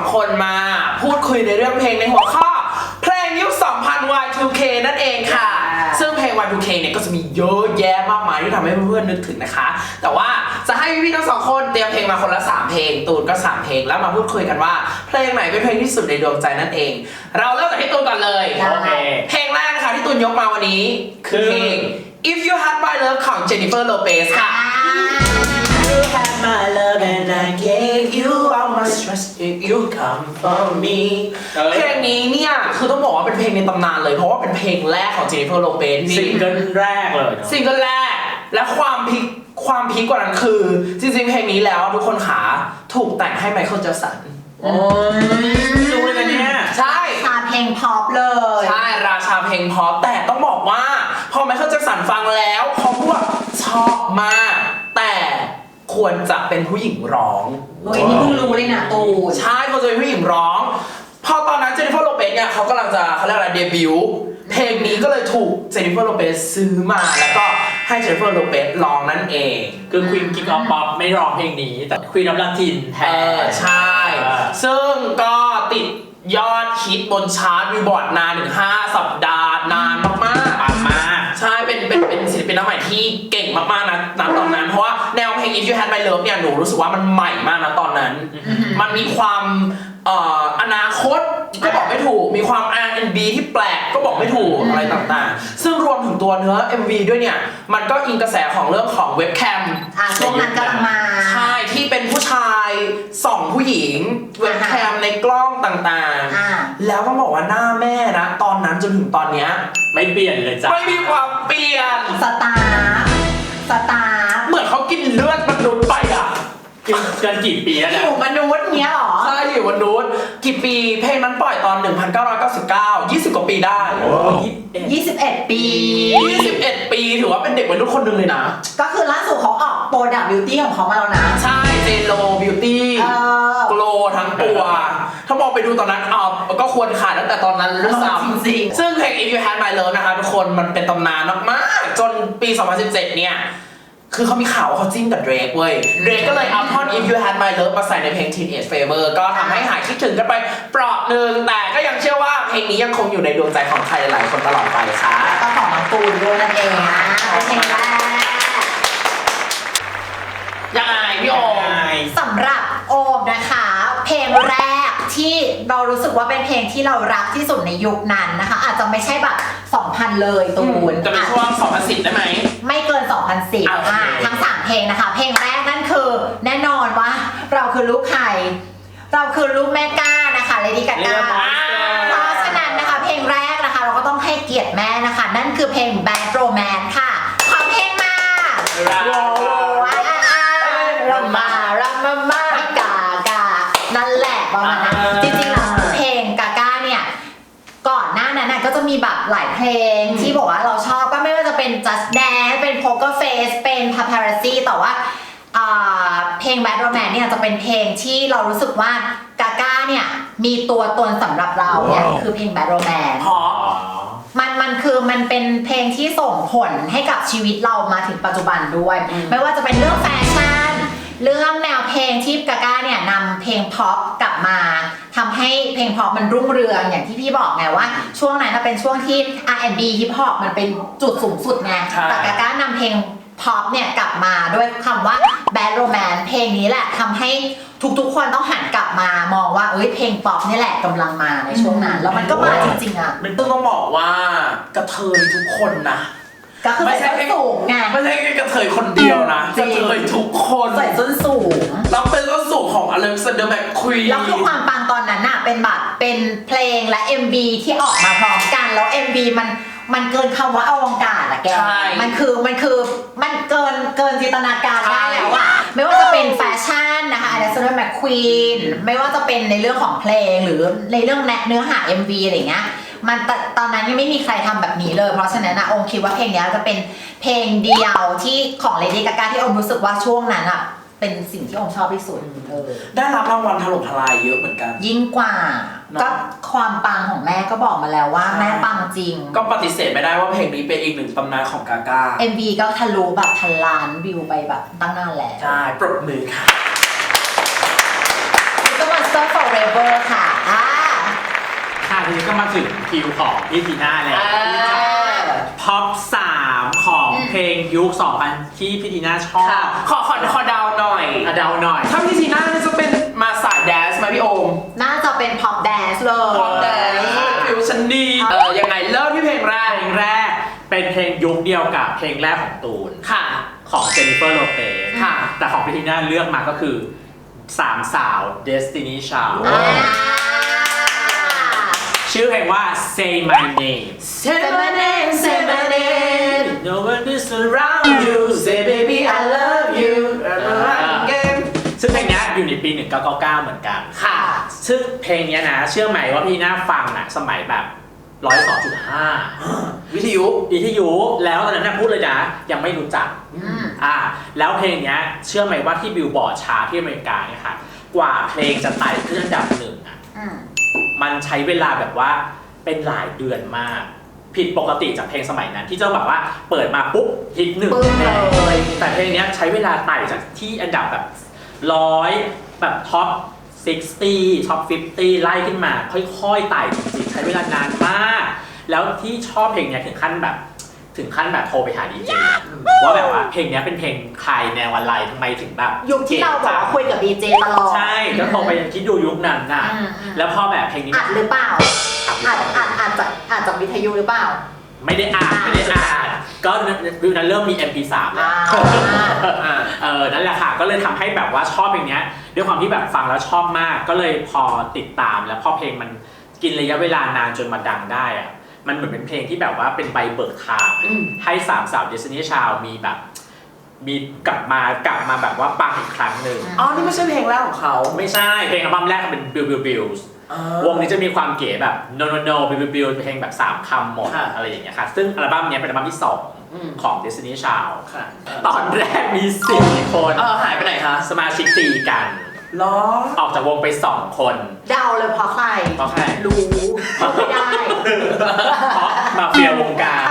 คนมาพูดคุยในเรื่องเพลงในหัวข้อเพลงยุค 2000 Y2K นั่นเองค่ะซึ่งเพลง Y2K เนี่ยก็จะมีเยอะแยะมากมายที่ทำให้เพื่อนๆนึกถึงนะคะแต่ว่าจะให้พี่ๆทั้งสองคนเตรียมเพลงมาคนละ3เพลงตูนก็3เพลงแล้วมาพูดคุยกันว่าเพลงไหนเป็นเพลงที่สุดในดวงใจนั่นเองเราเริ่มจากที่ตูนก่อนเลยโอเคเพลงแรกนะคะที่ตูนยกมาวันนี้คือเพลง If You Had My Love ของ Jennifer Lopez ค่ะ You had my love and I gave you all my trust if you come for me เพลงนี้เนี่ยคือต้องบอกว่าเป็นเพลงในตำนานเลยเพราะว่าเป็นเพลงแรกของ Jennifer Lopez ซิงเกิลแรกเลยซิงเกิลแรกและความพีคกว่านั้นคือจริงๆเพลงนี้แล้วทุกคนขาถูกแต่งให้ไมเคิลแจ็คสันโอ้ยรู้เลยนะเนี่ยใช่ราชาเพลงพ็อปเลยใช่ราชาเพลงพ็อปแต่ต้องบอกว่าพอไมเคิลแจ็คสันฟังแล้วเขาพูดว่าชอบมากแต่ควรจะเป็นผู้หญิงร้องโอ้ยนี่เพิ่งรู้เลยนะตูใช่ควรจะเป็นผู้หญิงร้องพอตอนนั้นเจนนิเฟอร์โลเปซเนี่ยเขากำลังจะเขาเรียกอะไรเดบิวต์เพลงนี้ก็เลยถูกเจนนิเฟอร์โลเปซซื้อมาแล้วก็ให้เจนนิเฟอร์โลเปซร้องนั่นเองคือควีนกิ๊กออฟป๊อปไม่ร้องเพลงนี้แต่ควีนออฟลาตินแทนใช่ซึ่งก็ติดยอดฮิตบนชาร์ตวิวบอร์ดนานถึง5 สัปดาห์นานมากๆใช่เป็นศิลปินน้องใหม่ที่เก่งมากๆนะตอนนั้นเพราะว่าแนวเพลง If You Had My Love เนี่ยหนูรู้สึกว่ามันใหม่มากนะตอนนั้นมันมีความอนาคตก็บอกไม่ถูกมีความ R&B ที่แปลกก็บอกไม่ถูกอะไรต่างๆซึ่งรวมถึงตัวเนื้อ MV ด้วยเนี่ยมันก็อิงกระแสของเรื่องของเว็บแคมช่วงนั้นกำลังมาใช่ที่เป็นผู้ชายส่องผู้หญิงเว็บแคมในกล้องต่างๆแล้วต้องบอกว่าหน้าแม่นะตอนนั้นจนถึงตอนเนี้ยไม่เปลี่ยนเลยจ้ะไม่มีความเปลี่ยนสตาร์เหมือนเขากินเลือดมนุษย์ไปอ่ะกันกี่ปีแล้วอยู่มนุษย์เนี้ยหรอใช่อยู่มนุษย์กี่ปีเพลงนั้นปล่อยตอน 1999 20 กว่าปีได้ 21 ปีถือว่าเป็นเด็กวัยรุ่นคนหนึ่งเลยนะก็คือล่าสุดเขาออกโปรดักต์บิวตี้ของเขามาแล้วนะใช่เจโลบิวตี้โกลทั้งตัวถ้ามองไปดูตอนนั้นก็ควรขายตั้งแต่ตอนนั้นด้วยซ้ำซึ่งเพลง If You Had My Love นะคะทุกคนมันเป็นตำนานมากๆจนปี 2017 เนี่ยคือเขามีข่าวว่าเขาจิ้นกับเดรกเว้ยเดรกก็เลยเอาท่อน If You Had My Love มาใส่ในเพลง Teenage Fever ก็ทำให้หายคิดถึงกันไปเปราะหนึ่งแต่ก็ยังเชื่อว่าเพลงนี้ยังคงอยู่ในดวงใจของใครหลายคนตลอดไปค่ะก็ของน้องตูนด้วยนั่นเองนะเพลงแรกยังไงพี่โอมสำหรับโอมนะคะเพลงแรกที่เรารู้สึกว่าเป็นเพลงที่เรารักที่สุดในยุคนั้นนะคะอาจจะไม่ใช่แบบ 2000 เลยตูนจะเป็นช่วง 2010 ได้ไหมไม่เกิน 2010 ทั้ง3เพลงนะคะเพลงแรกนั่นคือแน่นอนว่าเราคือลูกใครเราคือลูกแม่ก้านะคะเลดี้กาก้าเพราะฉะนั้นนะคะเพลงแรกนะคะเราก็ต้องให้เกียรติแม่นะคะนั่นคือเพลง Bad Romance ค่ะขอเพลงมานั่นแหละประมาณนั้นจริงๆแล้วเพลงกาก้าเนี่ยก่อนหน้านั้นก็จะมีแบบหลายเพลงที่บอกว่าเราชอบก็ไม่ว่าจะเป็น Just Dance เป็น Poker Face เป็น Paparazzi แต่ว่าเพลง Bad Romance เนี่ยจะเป็นเพลงที่เรารู้สึกว่ากาก้าเนี่ยมีตัวตนสำหรับเราเนี่ยคือเพลง Bad Romance มันเป็นเพลงที่ส่งผลให้กับชีวิตเรามาถึงปัจจุบันด้วยไม่ว่าจะเป็นเรื่องแฟชั่นเรื่องแนวเพลงที่กาก้าเนี่ยนำเพลงพ็อปกลับมาทำให้เพลงพ็อปมันรุ่งเรืองอย่างที่พี่บอกไงว่าช่วงนั้นเป็นช่วงที่ R&B ฮิปฮอปมันเป็นจุดสูงสุดไงแต่กาก้านำเพลงพ็อปเนี่ยกลับมาด้วยคำว่า Bad Romance เพลงนี้แหละทำให้ทุกคนต้องหันกลับมามองว่าเพลงป๊อปนี่แหละกำลังมาในช่วงนั้นแล้วมันก็มาจริงๆอ่ะมันต้องบอกว่ากระเทยทุกคนนะก็คือใส่ส้นสูงไงไม่ใช่แค่กระเทยคนเดียวนะกระเทยทุกคนใส่ส้นสูงแล้วเป็นส้นสูงของอเล็กซานเดอร์แมคควีนแล้วคือความปังตอนนั้นน่ะเป็นแบบเป็นเพลงและ MV ที่ออกมาพร้อมกันแล้ว MV มันเกินคำว่าอวกาศอะแกมันเกินจินตนาการได้แล้วอะไม่ว่าจะเป็นแฟชั่นนะคะอเล็กซานเดอร์แมคควีนไม่ว่าจะเป็นในเรื่องของเพลงหรือในเรื่องเนื้อหา MV อะไรเงี้ยมันตอนนั้นยังไม่มีใครทำแบบนี้เลยเพราะฉะนั้นนะองคิดว่าเพลงนี้จะเป็นเพลงเดียวที่ของเลดี้กาก้าที่องรู้สึกว่าช่วงนั้นอ่ะเป็นสิ่งที่องชอบที่สุดได้รับรางวัลถล่มทลายเยอะเหมือนกันยิ่งกว่าก็ความปังของแม่ก็บอกมาแล้วว่าแม่ปังจริงก็ปฏิเสธไม่ได้ว่าเพลงนี้เป็นอีกหนึ่งตำนานของกาก้า MV ก็ทะลุแบบพันล้านวิวไปแบบตั้งนานแล้วใช่ปรบมือค่ะก็ Monster Forever มาถึงคิวของพี่ทีน่าแล้วท็อป3ของเพลงยุค 2000 ที่พี่ทีน่าชอบขอเดาหน่อยเดาหน่อยถ้าพี่ทีน่านี่จะเป็นมาสายแดนซ์ไหมพี่โอมน่าจะเป็น pop dance เลยพอแดนซ์ฟิวชันดียังไงเริ่มที่เพลงแรกเพลงแรกเป็นเพลงยุคเดียวกับเพลงแรกของตูนค่ะของเจนนิเฟอร์โลเปซค่ะแต่ของพี่ทีน่าเลือกมาก็คือสามสาว Destiny Child ชื่อเพลงว่า Say My Name Say my name Say my name No one is around you Say baby I love you ซึ่งเพลงนี้อยู่ในปี 1999 เหมือนกันค่ะซึ่งเพลงนี้นะเชื่อไหมว่าพี่น่าฟังสมัยแบบ 102.5 วิทยุแล้วตอนนั้นพูดเลยนะยังไม่รู้จักแล้วเพลงนี้เชื่อไหมว่าที่บิลบอร์ดชาร์ตที่อเมริกาเนี่ยค่ะกว่าเพลงจะไต่ขึ้นอันดับ1มันใช้เวลาแบบว่าเป็นหลายเดือนมากผิดปกติจากเพลงสมัยนั้นที่เจ้าแบบว่าเปิดมาปุ๊บฮิต1เลยแต่เพลงนี้ใช้เวลาไต่จากที่อันดับแบบ100แบบท็อป60 ท็อป 50 ไล่ขึ้นมาค่อยๆไต่จริงๆใช้เวลานานมากแล้วที่ชอบเพลงนี้ถึงขั้นแบบโทรไปหาดีเจว่าแบบว่าเพลงนี้เป็นเพลงใครแนวอะไรทำไมถึงแบบยุคที่เราบอกว่าคุยกับดีเจตลอดใช่ก็โทรไปคิดดูยุคนั้นน่ะแล้วพอแบบเพลงนี้อัดหรือเปล่าอัดจากวิทยุหรือเปล่าไม่ได้อ่านก็วิวนั้นเริ่มมี MP3 แล้วนั่นแหละค่ะก็เลยทำให้แบบว่าชอบเพลงนี้ด้วยความที่แบบฟังแล้วชอบมากก็เลยพอติดตามแล้วพอเพลงมันกินระยะเวลานานจนมาดังได้อะมันเหมือนเป็นเพลงที่แบบว่าเป็นใบเบิกทางให้สามสาว Destiny Child มีกลับมาแบบว่าปังอีกครั้งหนึ่งนี่ไม่ใช่เพลงแรกของเขาไม่ใช่เพลงอัลบั้มแรกเป็น Bills วงนี้จะมีความเก๋แบบ no Bill เพลงแบบ3คำหมดอะไรอย่างเงี้ยค่ะซึ่งอัลบั้มนี้เป็นอัลบั้มที่2ของ Destiny Child ตอนแรกมี4คนหายไปไหนคะสมาชิกตีกันออกจากวงไป2คนเดาเลยเพราะใครรู้ไม่ได้เพราะมาเฟียวงการ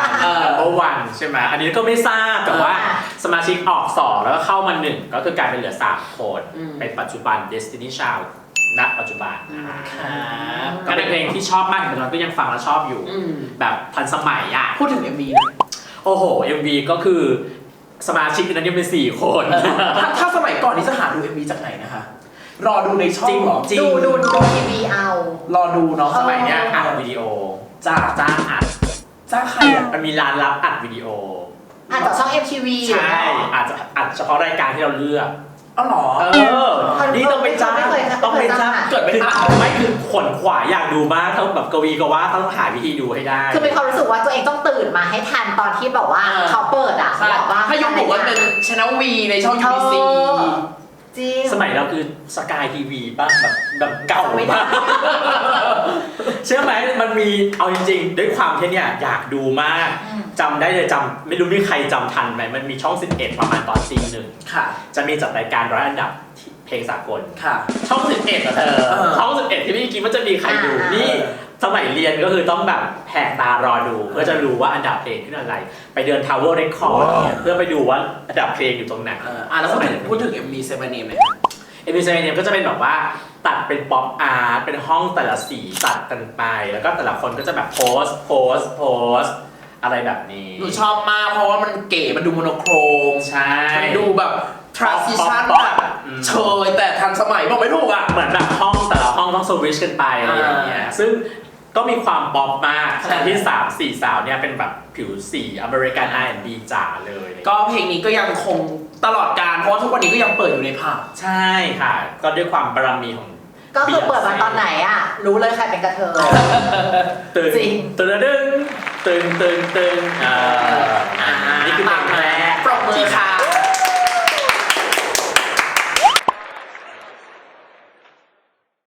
1 ใช่ไหมอันนี้ก็ไม่ทราบแต่ว่าสมาชิกออก2แล้วก็เข้ามา1ก็คือกลายเป็นเหลือ3คนเป็นปัจจุบัน Destiny Child ณปัจจุบันก็เป็นเพลงที่ชอบมากแต่ตอนก็ยังฟังแล้วชอบอยู่แบบทันสมัยอ่ะพูดถึง MV นะโอ้โห MV ก็คือสมาชิกนั้นยังเป็น4คนถ้าสมัยก่อนนี่จะหาดู MV จากไหนนะคะรอดูในช่องหรอดูทีวีเอารอดูเนาะสมัยเนี้ยอัดวิดีโอจ้างอัดใครอ่ะมันมีร้านรับอัดวิดีโออัดจากช่อง MTV ใช่อาจจะอัดเฉพาะรายการที่เราเลือกหรอนี่ต้องไปจ้างเกิดไม่ทันไม่คือขนขวายอยากดูมากต้องแบบกวีก็ว่าต้องหาวิธีดูให้ได้คือมีความรู้สึกว่าตัวเองต้องตื่นมาให้ทันตอนที่แบบว่าเขาเปิดอ่ะแบบว่าถ้ายุคบอกว่าเป็น Channel V ในช่อง UBC สมัยเราคือสกายทีวีป่ะแบบเก่ามากเชื่อไหมมันมีเอาจริงๆด้วยความที่เนี่ยอยากดูมากจำได้เลยไม่รู้มีใครจำทันไหมมันมีช่อง11ประมาณตอนตี 1ค่ะจะมีจัดรายการ100 อันดับเพลงสากลค่ะช่อง11อะเธอช่อง11ที่ไม่คิดว่าจะมีใครดูนี่สมัยเรียนก็คือต้องแบบแหกตารอดูเพื่อจะรู้ว่าอันดับเพลงขึ้นอะไรไปเดิน Tower Record เพื่อไปดูว่าอันดับเพลงอยู่ตรงไหนแล้วสมัยพูดถึง MV Seven Name เลย MV Seven Name ก็จะเป็นแบบว่าตัดเป็นป๊อปอาร์ตเป็นห้องแต่ละสีตัดกันไปแล้วก็แต่ละคนก็จะแบบโพสอะไรแบบนี้หนูชอบมากเพราะว่ามันเก๋มันดูโมโนโครมใช่มันดูแบบ transition แบบเชยแต่ทันสมัยบอกไม่ถูกอ่ะเหมือนแบบห้องแต่ละห้องต้องสวิตช์กันไปอะไรอย่างเงี้ยซึ่งก็มีความป๊อปมากที่3-4 สาวเนี่ยเป็นแบบผิวสีอเมริกัน R&B จ๋าเลยก็เพลงนี้ก็ยังคงตลอดกาลเพราะทุกวันนี้ก็ยังเปิดอยู่ในผับใช่ค่ะก็ด้วยความบารมีของก็คือเปิดมาตอนไหนอ่ะรู้เลยใครเป็นกระเทยจริงตึงนี่คือเพลงแรกปรบมือค่ะ